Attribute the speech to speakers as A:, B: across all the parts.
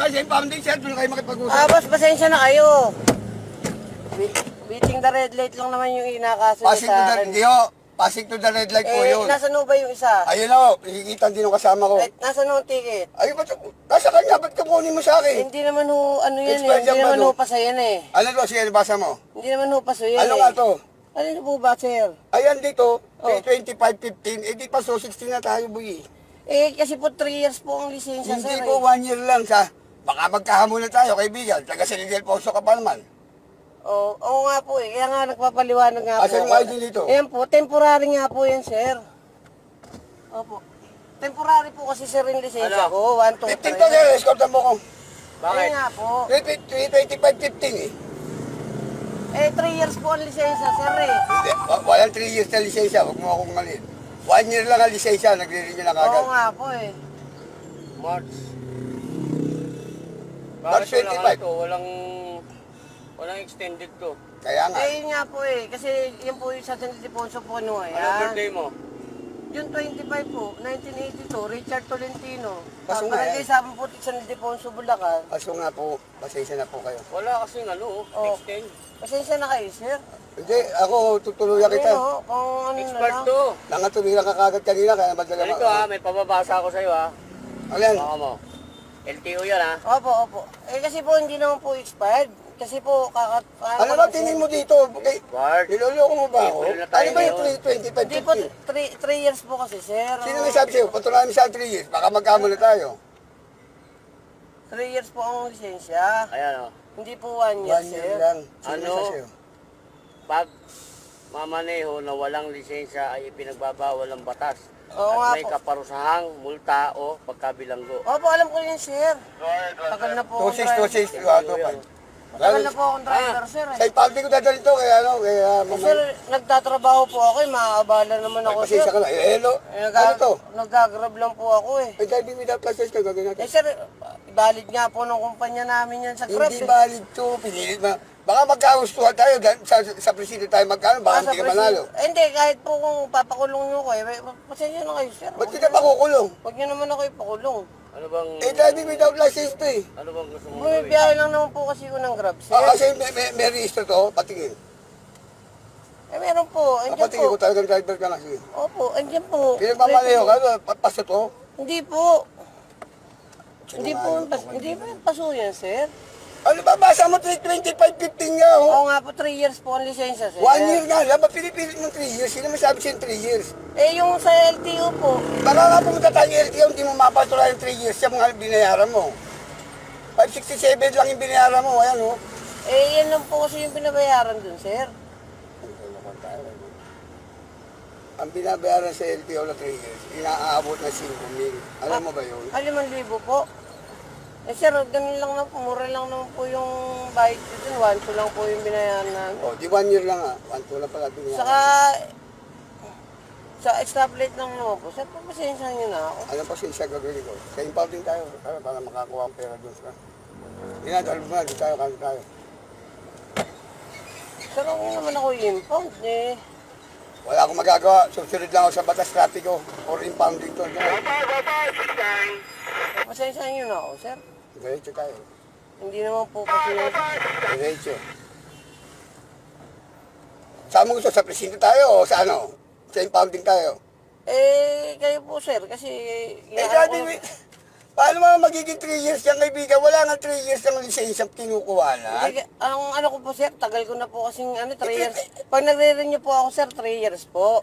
A: kasi impounding, sir. Doon kayo makipag-usap.
B: Boss, pasensya na kayo. Beating the red light lang naman yung inakaso
A: Passing to the, hindi ho. Passing to the red light po yun.
B: Nasaan ba yung isa?
A: Ayun o, nakikita din ng kasama ko.
B: Nasaan ang ticket?
A: Ayun, nasa kanya, ba't kukunin mo sa akin?
B: Hindi naman ho, ano yan
A: Expired
B: hindi
A: yan ba
B: naman
A: to?
B: ho paso yan
A: Ano to, sige, basa mo.
B: Hindi naman ho paso yan
A: Ano nga to?
B: Ano po ba, sir?
A: Ayan dito,
B: Oh.
A: 25-15, di pa so 16 na tayo, boy.
B: Kasi po 3 years po ang lisensya,
A: Hindi
B: sir.
A: po 1 year lang sa, baka magkahamon na tayo, kaibigan. Taga San Miguel Poso ka pa naman.
B: Oo nga po Kaya nga nagpapaliwanag nga po.
A: Asan yung ID dito?
B: Ayan po, temporary nga po yan, sir. Opo. Temporary po kasi, sir, yung lisensya ko. 1, 2,
A: 15 to, sir, escortan mo ko.
B: Bakit? Nga po.
A: 25-15 eh.
B: 3 years po ang lisensya, sir
A: Hindi, walang 3 years na lisensya, huwag mo akong malin. 1 year lang ang lisensya, nagre-renew na kagad.
B: Oo nga po
C: March.
A: March 25.
C: Walang extended to.
A: Kaya nga.
B: Yun nga po kasi yun po yung sa San Ildefonso po
C: Anong birthday mo?
B: June 25 po, 1982, Richard Tolentino.
A: Kaso nga
B: Barangay Sabang Putik, San Ildefonso, Bulacan.
A: Kaso nga po, pasensya na po kayo.
C: Wala kasing extend.
B: Pasensya na kayo, sir.
A: Hindi, ako tutuluyan kita.
B: Kung ano
C: Expert
B: na lang.
C: to.
A: Nakatuloy lang kagad kanina, kaya madala
C: Ganito may pababasa ako sa'yo
A: Ano yan?
C: Baka mo. LTO yan
B: Opo. Kasi po hindi naman po expired. Kasi po
A: Ano ba tingin mo dito? Okay.
C: Bart.
A: Niloloko mo ba ako?
C: April na tayo
A: Ano ba yung
C: ngayon.
A: 25,
B: Hindi po,
A: 50?
B: 3 years po kasi, sir.
A: Sino may sabi sa'yo? Patunayan mo sa 3 years, baka magkamo na tayo.
B: 3 years po ang lisensya.
C: Ayan
B: Hindi po 1 year,
A: 1
B: sir.
A: year lang. Sino
C: Ano?
A: may sabi sa'yo?
C: Pag mamaneho na walang lisensya ay ipinagbabawal ng batas.
B: Oo nga
C: At may
B: po.
C: kaparusahang multa o pagkabilanggo.
B: Opo, alam ko yun, sir. Tagal na po akong
A: 26, 26,
B: driver.
A: 25.
B: Tagal na po akong driver, sir.
A: Sa ipaldi ko dadalhin to, kaya ano, kaya
B: Sir, nagtatrabaho po ako maaabala naman ako, sir.
A: pasensya ka lang. Hello? Ano to?
B: Nagagrab lang po ako
A: Ay, driving without license ka, gagawin natin.
B: sir, valid nga po ng kumpanya namin yan sa Grab.
A: Hindi valid to, pinilit mo. Baka magkagustuhan tayo, sa presidente tayo magkano, baka hindi ka manalo.
B: Hindi, kahit po kung papakulong nyo ko, pasensya na kayo, sir.
A: Ba't kita makukulong?
B: Huwag nyo naman ako ipakulong.
C: Ano bang
A: Driving without license to eh.
C: ano bang gusto mo gawin?
B: Bumibiyahe lang naman po kasi ko ng Grab, sir.
A: Kasi may register to, patingin.
B: Meron po, andyan
A: Patingin ko
B: po.
A: talagang driver ka na. Sige.
B: Opo, andyan po.
A: Pinagmamalayo ka, paso to.
B: Hindi po. Hindi po yung paso yan, sir.
A: Ano ba, basa mo 325.15 nga, oh.
B: Oo nga po, 3 years po ang lisensya, sir.
A: 1 year nga lang, ba't pinipilit ng 3 years? Sino may sabi sa'yo 3 years?
B: Yung sa LTO po,
A: Baka nga pumunta tayo ng LTO, hindi mo mapatuloy yung 3 years siya mga binayaran mo. 567 lang yung binayaran mo, ayan oh.
B: yan lang po kasi yung pinabayaran dun, sir.
A: Ang binabayaran sa LTO na 3 years, inaabot na 5,000. Alam mo ba yun?
B: 5,000 po. Sir, ganun lang na po, mura lang naman po yung bayad ko dun. 1,2 lang po yung binayaran namin.
A: Oh, di 1 year lang ah. 1,2 lang pala binayaran.
B: Saka, sa stoplight lang naman po. Sir, pasensya nyo na ako.
A: Ano pa siya gagawin ko? Sa impounding tayo, para makakuha ang pera doon sa... Inadalo mo na, di tayo, kami tayo.
B: Sir, ako naman ako impound
A: Wala akong magagawa. Susunod lang ako sa batas trapiko or impounding to.
B: Pasensya nyo na ako, sir.
A: Diretso tayo.
B: Hindi naman po kasi
A: Diretso. Saan mo gusto? Sa presinto tayo o sa ano? Sa impounding tayo?
B: kayo po, sir, kasi...
A: Daddy, paano mga magiging 3 years yung kaibigan? Wala nga 3 years yung lisensya kinukuha na.
B: Ang ano ko po, sir, tagal ko na po kasing 3 years. Pag nagre-renew po ako, sir, 3 years po.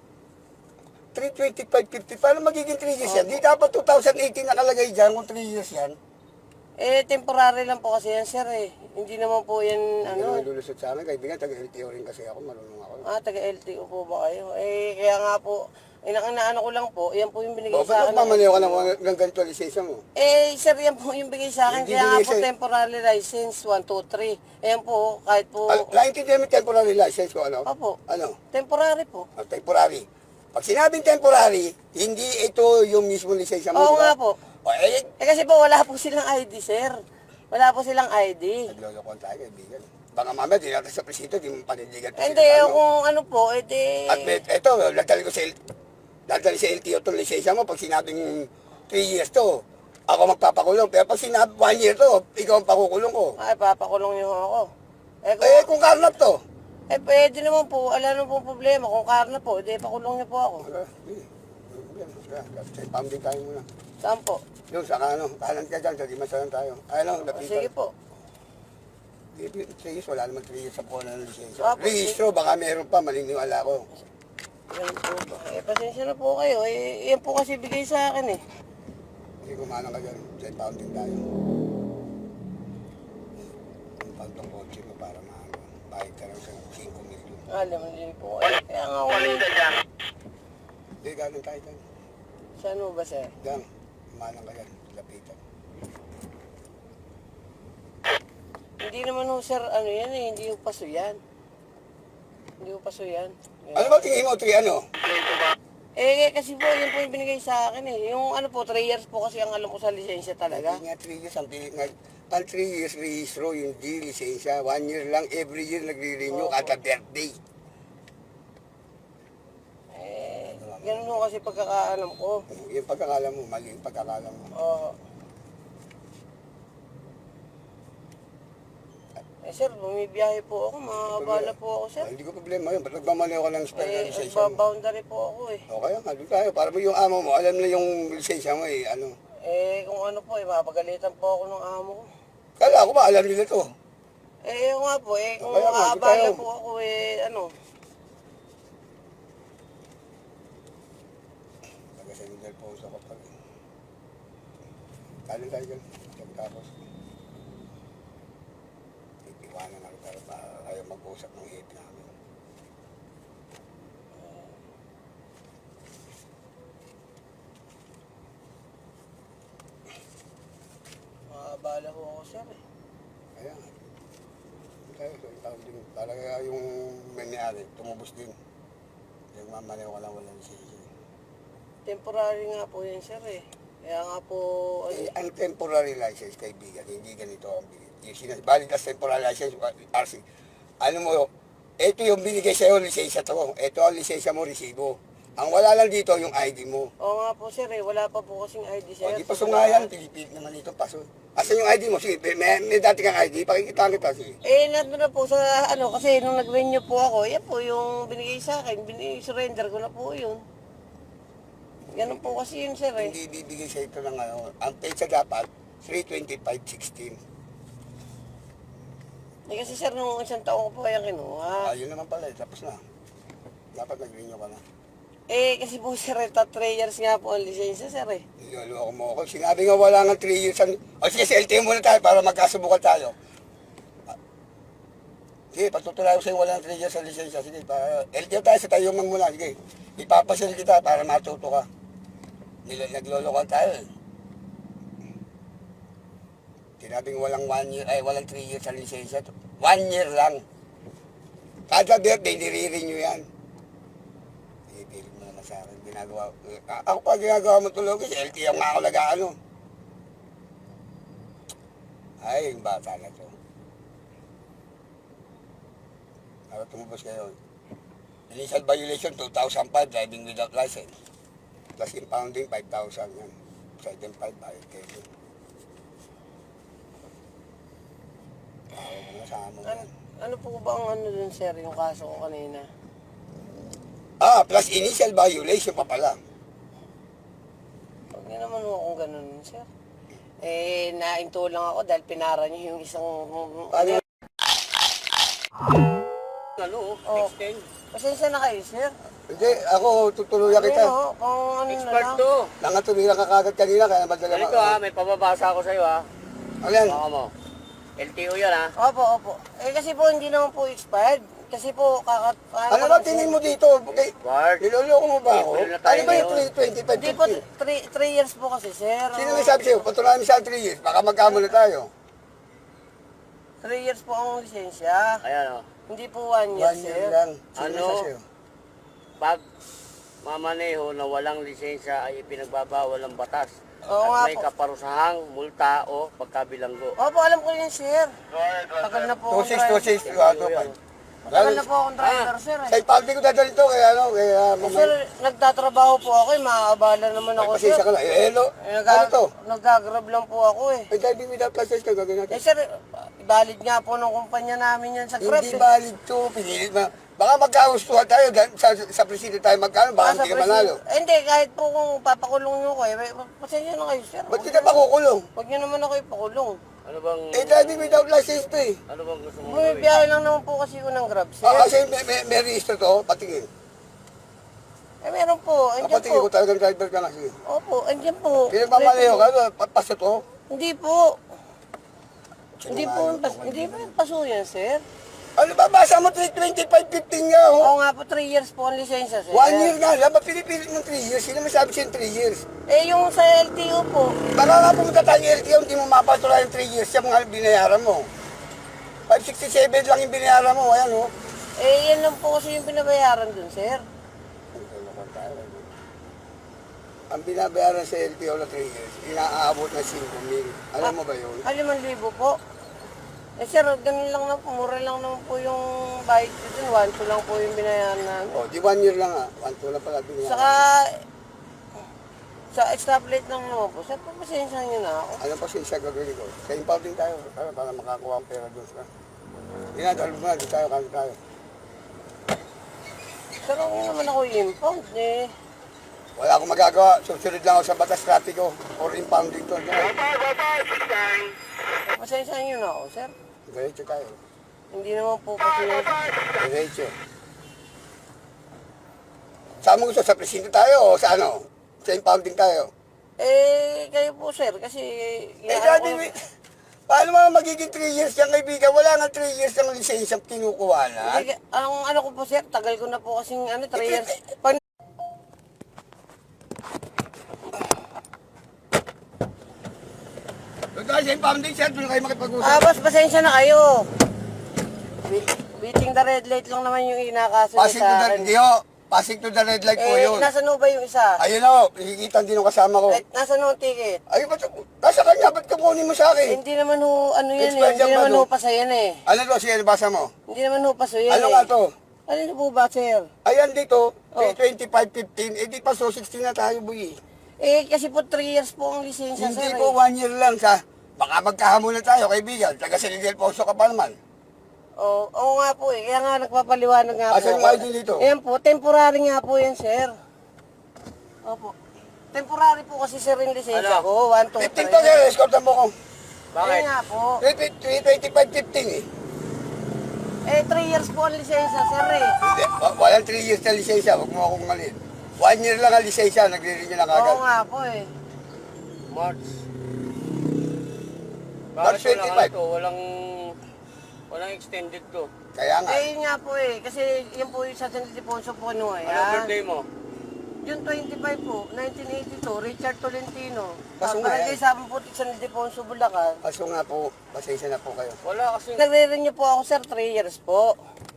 A: 325.50, paano magiging 3 years yan? Di dapat 2018 nakalagay dyan kung 3 years yan.
B: Temporary lang po kasi yan, sir, Hindi naman po yan,
A: Hindi naman lulusot sa amin, kaibigan, taga-LTO rin kasi ako, marunong ako.
B: taga-LTO po ba kayo? Kaya nga po, inaano ko lang po, yan po yung binigay sa
A: Ba't
B: akin.
A: mamaliw ka ng ganito lisensya mo?
B: Sir, yan po yung bigay sa akin.
A: Hindi
B: Kaya nga
A: binigay
B: po,
A: sa'yo.
B: temporary license, 1, 2, 3. Ayan po, kahit po...
A: Naintindihan mo yung temporary license ko, ano?
B: Opo,
A: Ano?
B: temporary po.
A: Temporary. Pag sinabing temporary, hindi ito yung mismo lisensya mo,
B: Oo
A: di ba?
B: nga po.
A: O,
B: Kasi po, wala po silang ID, sir. Wala po silang ID.
A: naglolokohan tayo, kaibigan. Baka mamaya, di natin sa presinto, di mo panindigan.
B: Hindi, kung ano po,
A: At ito, dadali sa LTO itong lisensya mo, pag sinabing 3 years to, ako magpapakulong. Pero pag sinabi 1 year to, ikaw ang pakukulong ko.
B: Ay, papakulong niyo ako.
A: Eh, kung karnap to.
B: Pwede naman po. Wala naman po problema. Kung karna po, di pakulong niyo po ako.
A: Sa pounding tayo muna.
B: Saan po?
A: Yung sa kanan ka dyan, sa Dimasalan tayo. Ano, lapitan.
B: Sige po.
A: 3 years, wala naman 3 years sa po ng lisensya.
B: Opo,
A: Registro, baka meron pa, maliniwala ko.
B: Yan po ba? Pasensya na po kayo. Yan po kasi bigay sa akin eh.
A: Hindi kumanang ka dyan, sa pounding tayo. Ang pantong kotse mo para maano, bayad ka lang sa 5 million.
B: Alam mo din po kayo. Kaya nga ako
A: Hindi, galing tayo dyan.
B: Saan mo ba, sir?
A: Dyan, kumanang ka dyan, lapitan.
B: Hindi naman ho, sir, ano yan eh. Hindi ho paso yan. Hindi ho paso yan. Yan.
A: Ano ba tingin mo, 3 ano?
B: Kasi po, yun po yung binigay sa akin eh. Yung ano po, 3 years po kasi ang alam ko sa lisensya talaga.
A: Hindi nga 3 years, ang pilit nga. Ang 3 years registro, yung G, lisensya. 1 year lang, every year nagre-renew kada birthday.
B: Ganun ho kasi pagkakaalam ko.
A: Yung pagkakala mo, mali yung pagkakala mo.
B: Oo. Sir, bumibiyahe po ako. Makakabala po ako, sir.
A: Hindi ko problema yun. Ba't nagmamali ako ng spare na lisensya mo?
B: Nagbaboundary po ako eh.
A: O kaya nga, doon tayo. Para mo yung amo mo, alam na yung lisensya mo eh. Ano?
B: Kung ano po mapagalitan po ako ng amo ko.
A: Kala ko ba, alam nila to.
B: Yung nga po, kung
A: Kaya nga, di
B: aabala
A: tayo.
B: po ako ano.
A: Taga-sendal po sa kapag. Kanin tayo dyan. Tapos. Iwanan ako tayo para kayo mag-usap ng hit namin.
B: Makakabala po ako, sir eh.
A: Kaya nga. Tayo, so yung din. Para kaya yung may-ari, tumubos din. Yung mamaliw ko lang walang lisensya.
B: Temporary nga po yan, sir eh. Kaya nga po,
A: Ang temporary license, kaibigan, hindi ganito ang binigay. Yung valid as temporary license, RC. Ano mo, ito yung binigay sa'yo, lisensya to. Ito ang lisensya mo, resibo. Ang wala lang dito, yung ID mo.
B: oo nga po, sir eh. Wala pa po kasing ID, sir.
A: O, di paso nga yan, Pilipid naman ito, paso. Asan yung ID mo? Sige, may dati kang ID, pakikita kita, sige.
B: Nandun na po sa ano, kasi nung nag-renew po ako, yan po yung binigay sa akin. Surrender ko na po yun. Ganun po kasi yun, sir eh.
A: Hindi bibigay sa ito ng ano. Ang pesa dapat, 325.16.
B: Kasi sir, nung isang taon ko po kaya kinuha.
A: Ayun naman pala, tapos na. Dapat nag-renew ka na.
B: Kasi po sir, 3 years nga po ang lisensya, sir eh.
A: Niloloko mo ako. Sinabi nga wala nga 3 years. O sige, sa LTO muna tayo para magkasubukan tayo. Sige, patutulayo sa'yo wala nga 3 years sa lisensya. Sige, LTO tayo sa tayo man muna. Sige, ipapasil kita para matuto ka. Naglolokohan tayo eh. Sinabing walang 1 year, walang 3 years sa lisensya. 1 year lang. Kada birthday, nire-renew yan. Ipilit mo naman sa akin. Ginagawa, ako pa ginagawa mo tulog kasi LTO nga ako nag-ano. Ay, yung bata na to. Para tumubos kayo. Initial violation, 2005, driving without license. Plus impounding, 5,000 yan. Sa item 5, bayad kayo. Kasama mo yan.
B: Ano po ba ang ano dun, sir, yung kaso ko kanina?
A: Plus initial violation pa pala.
B: Huwag niyo naman ho kung ganun, sir. Nainto lang ako dahil pinara niyo yung isang...
A: Paano?
C: Ano,
B: Oh.
C: extend.
B: Pasensya na kayo, sir.
A: Hindi, ako tutuluyan kita.
B: Kung ano
C: Expert
B: na lang.
C: to.
A: Nangatuluyan ka kagad kanina, kaya madala
C: Ganito ha, may pababasa ako sa'yo ha.
A: Ano yan?
C: Baka mo. LTO yan ha.
B: Opo. Kasi po hindi naman po expired. Kasi po
A: Ano ba tingin mo dito? Okay.
C: Bart.
A: Niloloko mo ba ako?
C: April na tayo
A: Ano ba yung
C: ngayon.
A: 325?
B: Hindi po, 3 years po kasi, sir.
A: Sino may sabi sa'yo? Patulayan mo sa 3 years, baka magkamula tayo.
B: 3 years po ang lisensya.
C: Ayan o.
B: Hindi po 1 year,
A: 1
B: sir.
A: year lang. Sino
C: Ano?
A: may sabi sa'yo?
C: Pag mamaneho na walang lisensya ay ipinagbabawal ng batas.
B: Oo nga
C: At may
B: po.
C: kaparusahang multa o pagkabilanggo.
B: Opo, alam ko yun, sir. Tagal na po.
A: 26, 26, 25.
B: Matagal na po akong driver, sir.
A: Sa ipaldi ko dadalhin to, kaya ano, kaya
B: Sir, nagtatrabaho po ako eh. Maaabala naman ako, sir.
A: pasensya ka na. Hello, ano to?
B: Nagagrab lang po ako eh.
A: Ay, driving without license ka, gagawin natin.
B: Sir, valid nga po ng kumpanya namin yan sa Grab.
A: Hindi valid to, pinilit mo. Baka magkagustuhan tayo, sa presidente tayo magkano, baka hindi ka manalo.
B: Hindi, kahit po kung papakulong nyo ko eh. Pasensya na kayo, sir.
A: Ba't kita makukulong?
B: Huwag nyo naman ako ipakulong.
C: Ano bang...
A: Driving without license to eh.
C: Ano bang gusto mong gawin?
B: Bumibiyahe lang naman po kasi ko ng Grab, sir.
A: Kasi may register to, patingin.
B: Meron po. Andiyan
A: Patingin ko
B: po.
A: talagang driver ka kasi.
B: Opo, andiyan po.
A: Pinagmamalayo ka, paso to.
B: Hindi po. Hindi po yung paso yan, sir.
A: Ano ba, basa mo 325.15 nga, oh.
B: Oo nga po, 3 years po ang lisensya, sir.
A: 1 year nga lang, pinipilit ng 3 years. Sino may sabi sa'yo 3 years?
B: Eh, yung sa LTO po,
A: Baka nga pumunta tayo ng LTO, hindi mo mapatuloy yung 3 years siya mga binayaran mo. 567 lang yung binayaran mo, ayan, oh.
B: eh, yan lang po kasi yung binabayaran dun, sir.
A: Ang binabayaran sa LTO na 3 years, inaabot na 5,000. Alam mo ba yun?
B: 5,000 po. Eh, sir, ganun lang na po, mura lang naman po yung bayad ko dun. 1,2 lang po yung binayaran namin.
A: O, di 1 year lang ah. 1,2 lang pala binayaran.
B: Saka, sa stoplight lang naman po. Sir, pasensya nyo na ako.
A: Ano pa siya gagawin ko? Sa impounding tayo, para makakuha ang pera doon sa... Inadalo mo na, di tayo, kami tayo.
B: Sir, ako naman ako impound eh.
A: Wala akong magagawa. Susunod lang ako sa batas trapiko or impounding to.
B: Pasensya nyo na ako, sir.
A: Diretso tayo.
B: Hindi naman po kasi
A: Diretso. Saan mo gusto? Sa presinto tayo o sa ano? Sa impounding tayo?
B: eh, kayo po, sir, kasi...
A: Dati, paano mga magiging 3 years yung kaibigan? Wala nga 3 years ang lisensya kinukuha na.
B: Ang ano ko po, sir, tagal ko na po kasing 3 years. Pag
A: Dahil sa impounding, sir, doon kayo makipag-usap.
B: boss, pasensya na kayo. Beating the red light lang naman yung inakaso
A: Passing to
B: sa
A: the,
B: akin.
A: hindi ho. Passing to the red light po yun.
B: Nasaan ho ba yung isa?
A: Ayun ho, nakikita din ng kasama ko.
B: Nasaan ho ang ticket?
A: Ayun, nasa kanya, ba't kukunin mo sa akin?
B: Hindi naman ho, ano yan eh.
A: Expired
B: Hindi
A: yan ba,
B: naman
A: no?
B: ho paso yan eh.
A: Ano to, siya, basa mo?
B: Hindi naman ho paso yan
A: Ano
B: eh.
A: nga to?
B: Ano po ba, sir?
A: Ayan dito,
B: Oh.
A: 25.15, eh di pa so 16 na tayo, bugi.
B: Eh, kasi po 3 years po ang lisensya,
A: Hindi
B: sir.
A: po 1 year lang sa, baka magkahamunan tayo, kaibigan. Taga San Miguel Poso ka pa naman.
B: Oo nga po eh. Kaya nga nagpapaliwanag nga po.
A: Asan yung ID dito?
B: Ayan po, temporary nga po yan, sir. Opo. Temporary po kasi sir yung lisensya ko. 1, 2,
A: 15 to, sir, escortan mo ko.
B: Bakit? nga po.
A: 25.15 eh.
B: Eh, 3 years po ang lisensya, sir eh.
A: Hindi, walang 3 years na lisensya, huwag mo akong malin. 1 year lang ang lisensya, nagre-renew na kagad.
B: Oo nga po eh.
C: March.
A: March
C: Bakit walang
A: 25.
C: ano to? Walang extended to.
A: Kaya nga.
B: Eh, yun nga po eh. Kasi yun po yung sa San Ildefonso po no eh.
C: Ano birthday mo?
B: June 25 po, 1982, Richard Tolentino.
A: Kaso nga
B: Barangay
A: yan.
B: Sabang Putik, San Ildefonso, Bulacan.
A: Kaso nga po, pasensya na po kayo.
C: Wala kasi.
B: Nagre-renew po ako sir, 3 years po.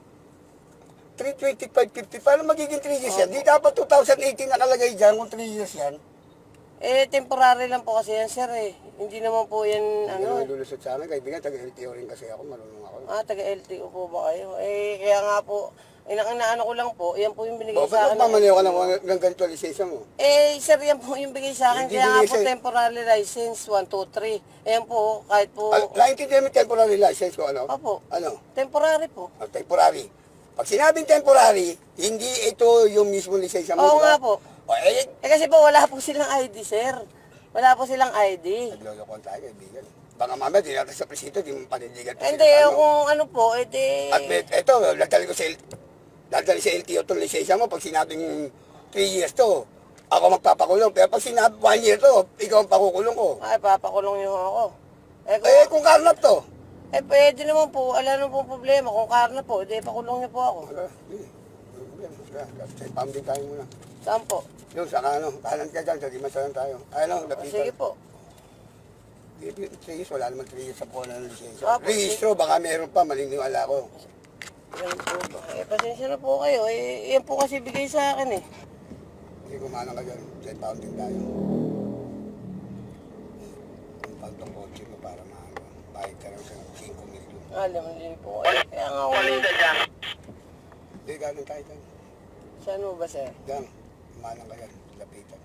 A: 325.50, paano magiging 3 years yan? Di dapat 2018 nakalagay dyan kung 3 years yan.
B: Eh, temporary lang po kasi yan sir eh. Hindi naman po yan
A: Ano?
B: ano.
A: Lulusot sa amin, kaibigan, taga-LTO rin kasi ako, marunong ako.
B: Taga LTO po ba kayo? Eh, kaya nga po, inaano ko lang po, yan po yung binigay
A: O,
B: sa
A: ba't
B: akin.
A: magmamaliw ka ng ganito lisensya mo?
B: Eh, sir, yan po yung bigay sa akin.
A: Hindi
B: Kaya nga
A: binigay
B: po,
A: sa'yo.
B: temporary license, 1, 2, 3. Ayan po, kahit po,
A: Naintindihan mo yung temporary license ko, ano?
B: opo,
A: Ano?
B: temporary po.
A: Temporary. Pag sinabing temporary, hindi ito yung mismo lisensya mo,
B: Oo
A: di ba?
B: nga po.
A: O, eh,
B: Eh kasi po, wala po silang ID, sir. Wala po silang ID.
A: naglolokon tayo, kaibigan. Baka mamaya, di natin sa presinto, di mo panindigan.
B: Eh, hindi, kung ano po, edi...
A: At ito, dadali sa LTO itong lisensya mo, pag sinabing 3 years to, ako magpapakulong. Pero pag sinabi 1 year to, ikaw ang pakukulong ko.
B: Ay, papakulong niyo ako.
A: Eh, kung karnap to.
B: Eh, pwede naman po. Wala naman po problema. Kung karna po, edi pakulong niyo po ako.
A: Sa pambing tayo muna.
B: Saan po?
A: Yung sa kanan ka dyan, sa Dimasalan tayo. Ano,
B: Sige po.
A: Wala naman 3 years sa po ng lisensya.
B: Opo,
A: Registro, baka meron pa, maliniwala ko.
B: Yan po ba? Eh, pasensya na po kayo. Eh, yan po kasi bigay sa akin eh.
A: Hindi kumana ka dyan, sa pounding tayo. Ang pantong kotse mo para maano, bayad ka lang sa 5 million.
B: Alam mo din po. Kaya nga ako.
A: Hindi, galing tayo dyan.
B: Saan mo ba, sir?
A: Dyan, manang ka yan, lapitan.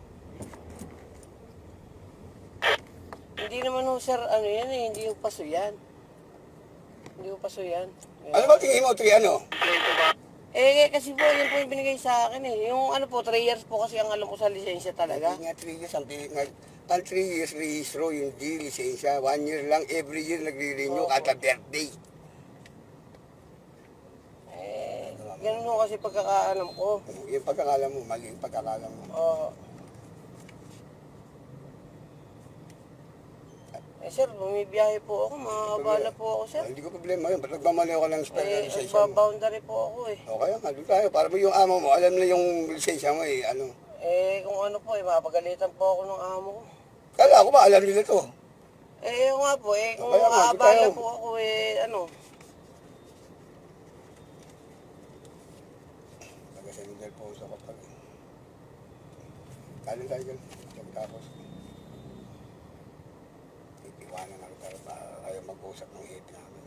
B: Hindi naman ho, sir, ano yan eh, hindi yung paso yan. Hindi yung paso yan. Yan.
A: Ano ba tingin mo, 3 ano?
B: Eh, kasi po, yun po yung binigay sa akin eh. Yung ano po, 3 years po kasi ang alam ko sa lisensya talaga.
A: Hindi nga 3 years, ang pilit nga. Ang 3 years rehistro, hindi lisensya. 1 year lang, every year nagre-renew, kada birthday.
B: Eh, ganun ho kasi pagkakaalam ko.
A: Yung pagkakala mo, mali yung pagkakala mo.
B: Oo. Eh, sir, bumibiyahe po ako, makakabala po ako, sir.
A: Hindi ko problema yun, ba't nagmamali ako ng spell na
B: Eh,
A: lisensya mo?
B: nagbaboundary po ako eh.
A: O kaya nga, doon tayo, para mo yung amo mo, alam na yung lisensya mo eh, ano.
B: Eh, kung ano po eh, mapagalitan po ako ng amo ko.
A: Kala ko ba, alam nila to.
B: Eh, yun nga po eh, kung
A: Kaya nga, doon
B: aabala
A: tayo.
B: po ako eh, ano.
A: Taga-San po sa kapag. Kanin tayo dyan, tapos. Iiwanan ako tayo para ayaw mag-usap ng hate namin.